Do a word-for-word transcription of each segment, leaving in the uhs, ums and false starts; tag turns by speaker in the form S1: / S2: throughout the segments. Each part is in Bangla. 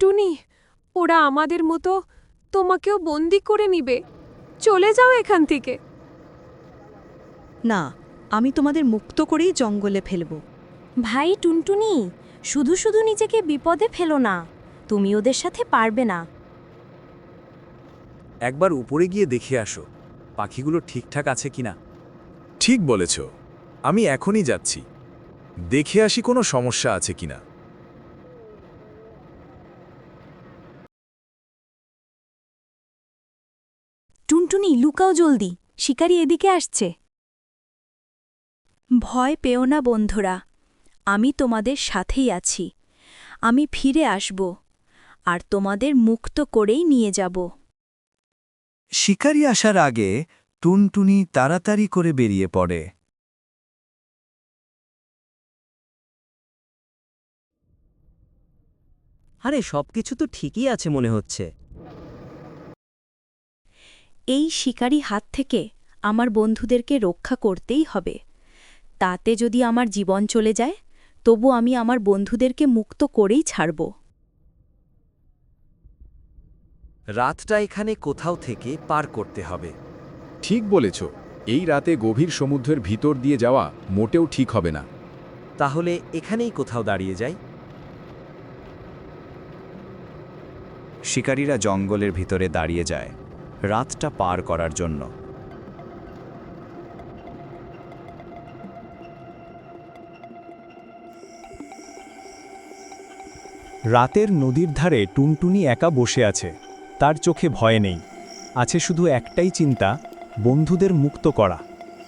S1: টুনটুনি, ওরা আমাদের মতো তোমাকেও বন্দি করে নিবে। চলে যাও এখান থেকে।
S2: না, আমি তোমাদের মুক্ত করেই জঙ্গলে ফেলব।
S3: ভাই টুনটুনি, শুধু শুধু নিজেকে বিপদে ফেলো না, তুমি ওদের সাথে পারবে না।
S4: একবার উপরে গিয়ে দেখে আসো পাখিগুলো ঠিকঠাক আছে কিনা।
S5: ঠিক বলেছ, আমি এখনই যাচ্ছি, দেখে আসি কোনো সমস্যা আছে কিনা।
S3: টুনটুনি, লুকাও জলদি, শিকারি এদিকে আসছে।
S2: ভয় পেও না বন্ধুরা, আমি তোমাদের সাথেই আছি। আমি ফিরে আসব আর তোমাদের মুক্ত করেই নিয়ে যাব।
S6: শিকারি আসার আগে টুনটুনি তাড়াতাড়ি করে বেরিয়ে পড়ে।
S7: আরে সবকিছু তো ঠিকই আছে মনে হচ্ছে।
S2: এই শিকারি হাত থেকে আমার বন্ধুদেরকে রক্ষা করতেই হবে। তাতে যদি আমার জীবন চলে যায়, তবু আমি আমার বন্ধুদেরকে মুক্ত করেই ছাড়ব।
S4: রাতটা এখানে কোথাও থেকে পার করতে হবে।
S5: ঠিক বলেছ, এই রাতে গভীর সমুদ্রের ভিতর দিয়ে যাওয়া মোটেও ঠিক হবে না।
S4: তাহলে এখানেই কোথাও দাঁড়িয়ে যাই।
S6: শিকারীরা জঙ্গলের ভিতরে দাঁড়িয়ে যায় রাতটা পার করার জন্য।
S8: রাতের নদীর ধারে টুনটুনি একা বসে আছে। তার চোখে ভয় নেই, আছে শুধু একটাই চিন্তা, বন্ধুদের মুক্ত করা।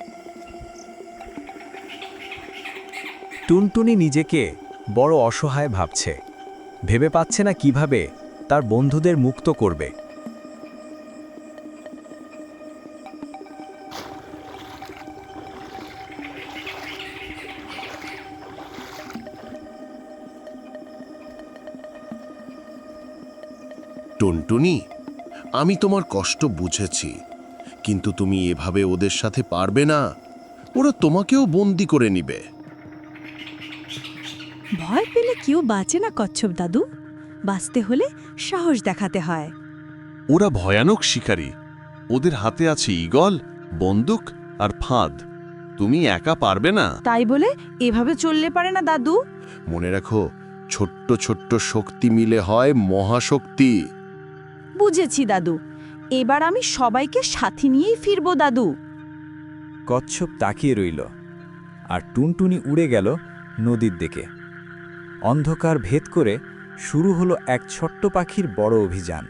S6: টুনটুনি নিজেকে বড় অসহায় ভাবছে, ভেবে পাচ্ছে না কিভাবে তার বন্ধুদের মুক্ত করবে।
S9: টুনটুনি, আমি তোমার কষ্ট বুঝেছি, কিন্তু তুমি এভাবে ওদের সাথে পারবে না। ওরা তোমাকেও বন্দি করে নিবে।
S2: ভয় পেলে কেউ বাঁচে না কচ্ছপ দাদু, বাঁচতে হলে সাহস দেখাতে হয়।
S9: ওরা ভয়ানক শিকারী, ওদের হাতে আছে ঈগল, বন্দুক আর ফাঁদ। তুমি একা পারবে না।
S2: তাই বলে এভাবে চললে পারে না দাদু।
S9: মনে রাখো, ছোট্ট ছোট্ট শক্তি মিলে হয় মহাশক্তি।
S2: বুঝেছি দাদু, এবার আমি সবাইকে সাথে নিয়েই ফিরব দাদু।
S6: কচ্ছপ তাকিয়ে রইল আর টুনটুনি উড়ে গেল নদীর দিকে। অন্ধকার ভেদ করে শুরু হলো এক ছোট্ট পাখির বড় অভিযান।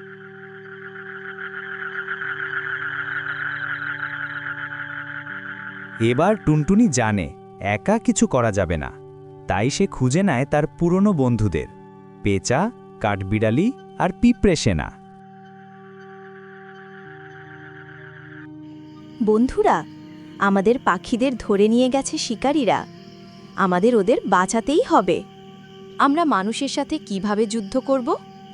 S6: এবার টুনটুনি জানে একা কিছু করা যাবে না, তাই সে খুঁজে নেয় তার পুরনো বন্ধুদের, পেঁচা, কাঠবিড়ালি আর পিঁপড়ে সেনা।
S3: বন্ধুরা, আমাদের পাখিদের ধরে নিয়ে গেছে শিকারীরা, আমাদের ওদের বাঁচাতেই হবে। আমরা মানুষের সাথে কিভাবে যুদ্ধ করব?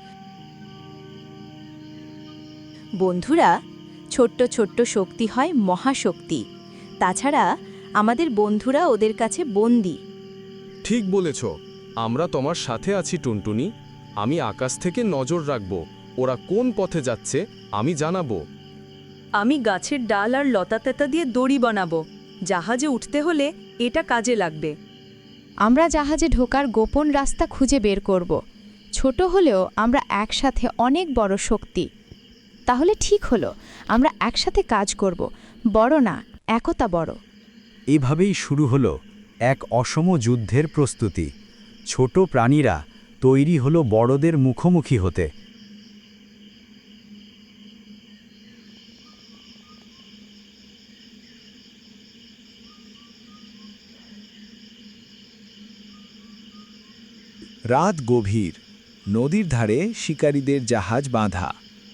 S3: বন্ধুরা, ছোট্ট ছোট্ট শক্তি হয় মহাশক্তি। তাছাড়া আমাদের বন্ধুরা ওদের কাছে বন্দী।
S5: ঠিক বলেছ, আমরা তোমার সাথে আছি টুনটুনি। আমি আকাশ থেকে নজর রাখব, ওরা কোন পথে যাচ্ছে আমি জানাবো।
S2: আমি গাছের ডাল আর লতাতেতা দিয়ে দড়ি বানাবো, জাহাজে উঠতে হলে এটা কাজে লাগবে।
S10: আমরা জাহাজে ঢোকার গোপন রাস্তা খুঁজে বের করব। ছোট হলেও আমরা একসাথে অনেক বড় শক্তি। তাহলে ঠিক হলো, আমরা একসাথে কাজ করব, বড় না, একতা বড়।
S6: এভাবেই শুরু হলো এক অসম যুদ্ধের প্রস্তুতি। ছোট প্রাণীরা তৈরি হলো বড়দের মুখোমুখি হতে। রাত গভীর, নদীর ধারে শিকারীদের জাহাজ বাঁধা।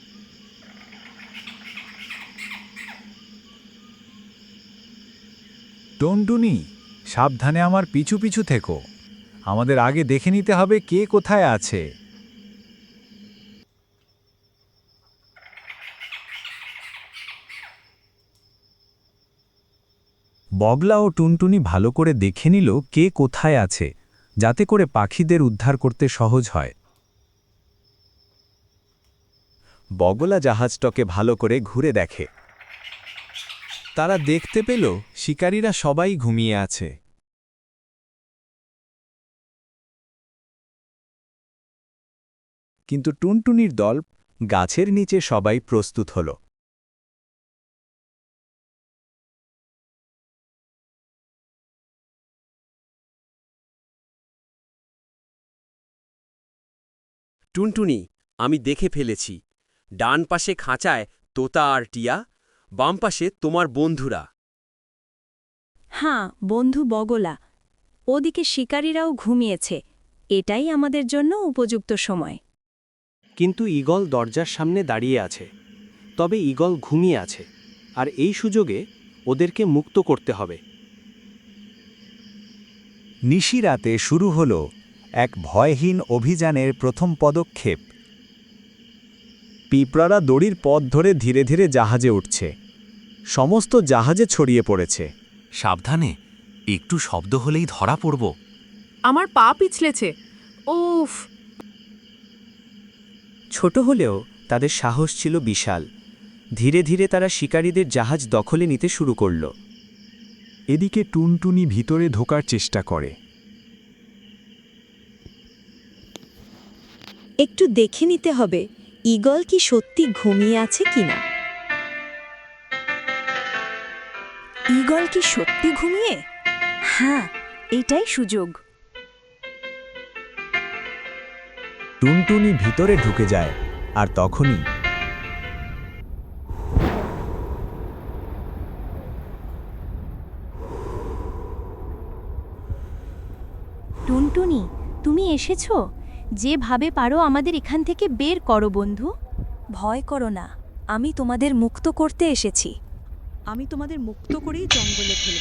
S6: টুনটুনি, সাবধানে আমার পিছু পিছু থেকো, আমাদের আগে দেখে নিতে হবে কে কোথায় আছে। বগলা ও টুনটুনি ভালো করে দেখে নিল কে কোথায় আছে, যাতে করে পাখিদের উদ্ধার করতে সহজ হয়। বগলা জাহাজটাকে ভালো করে ঘুরে দেখে।
S8: তারা দেখতে পেল শিকারীরা সবাই ঘুমিয়ে আছে।
S6: কিন্তু টুনটুনির দল গাছের নিচে সবাই প্রস্তুত হল।
S11: টুনটুনি, আমি দেখে ফেলেছি। ডান পাশে খাঁচায় তোতা আর টিয়া, বাম পাশে তোমার বন্ধুরা।
S2: হ্যাঁ, বন্ধু বগলা। ওদিকে শিকারীরাও ঘুমিয়েছে। এটাই আমাদের জন্য উপযুক্ত সময়।
S7: কিন্তু ঈগল দরজার সামনে দাঁড়িয়ে আছে। তবে ঈগল ঘুমিয়ে আছে, আর এই সুযোগে ওদেরকে মুক্ত করতে হবে।
S6: নিশিরাতে শুরু হল এক ভয়হীন অভিযানের প্রথম পদক্ষেপ। পিঁপড়ারা দড়ির পথ ধরে ধীরে ধীরে জাহাজে উঠছে। সমস্ত জাহাজে ছড়িয়ে পড়েছে।
S4: সাবধানে, একটু শব্দ হলেই ধরা পড়ব।
S1: আমার পা পিছলেছে। উফ!
S7: ছোট হলেও তাদের সাহস ছিল বিশাল। ধীরে ধীরে তারা শিকারীদের জাহাজ দখলে নিতে শুরু করল।
S8: এদিকে টুনটুনি ভিতরে ঢোকার চেষ্টা করে।
S2: একটু দেখে নিতে হবে ঈগল কি সত্যি ঘুমিয়ে আছে কিনা। ঈগল কি সত্যি ঘুমিয়ে? হ্যাঁ, এটাই সুযোগ।
S6: টুনটুনি ভিতরে ঢুকে যায়, আর তখনই
S2: টুনটুনি, তুমি এসেছো? যেভাবে পারো আমাদের এখান থেকে বের করো বন্ধু। ভয় করো না, আমি তোমাদের মুক্ত করতে এসেছি। আমি তোমাদের মুক্ত করেই জঙ্গলে ফেলব।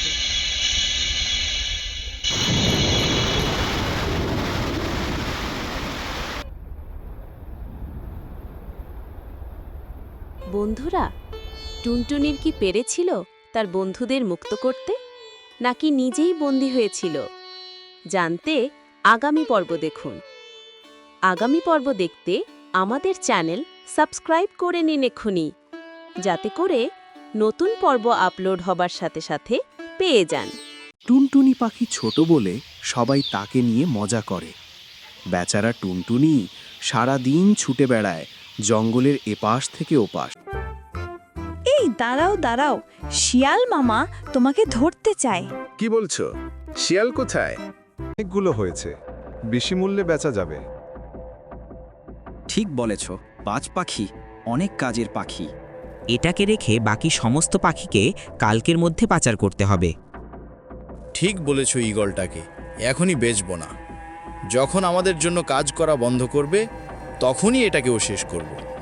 S3: বন্ধুরা, টুনটুনির কি পেরেছিল তার বন্ধুদের মুক্ত করতে, নাকি নিজেই বন্দী হয়েছিল? জানতে আগামী পর্ব দেখুন। আগামী পর্ব দেখতে আমাদের চ্যানেল সাবস্ক্রাইব করে নিন এক্ষুনি, যাতে করে নতুন পর্ব আপলোড হবার সাথে সাথে পেয়ে যান।
S11: টুনটুনি পাখি ছোট বলে সবাই তাকে নিয়ে মজা করে। বেচারা টুনটুনি সারা দিন ছুটে বেড়ায় জঙ্গলের এপাশ থেকে ওপাশ।
S2: এই দাঁড়াও দাঁড়াও, শিয়াল মামা তোমাকে ধরতে চায়।
S5: কি বলছো? শিয়াল কোথায়?
S8: অনেকগুলো হয়েছে, বেশি মূল্যে বেচা যাবে।
S7: ঠিক বলেছ, বাজ পাখি অনেক কাজের পাখি।
S12: এটাকে রেখে বাকি সমস্ত পাখিকে কালকের মধ্যে পাচার করতে হবে।
S13: ঠিক বলেছ ঈগলটাকে এখনই বেচব না। যখন আমাদের জন্য কাজ করা বন্ধ করবে, তখনই এটাকেও শেষ করব।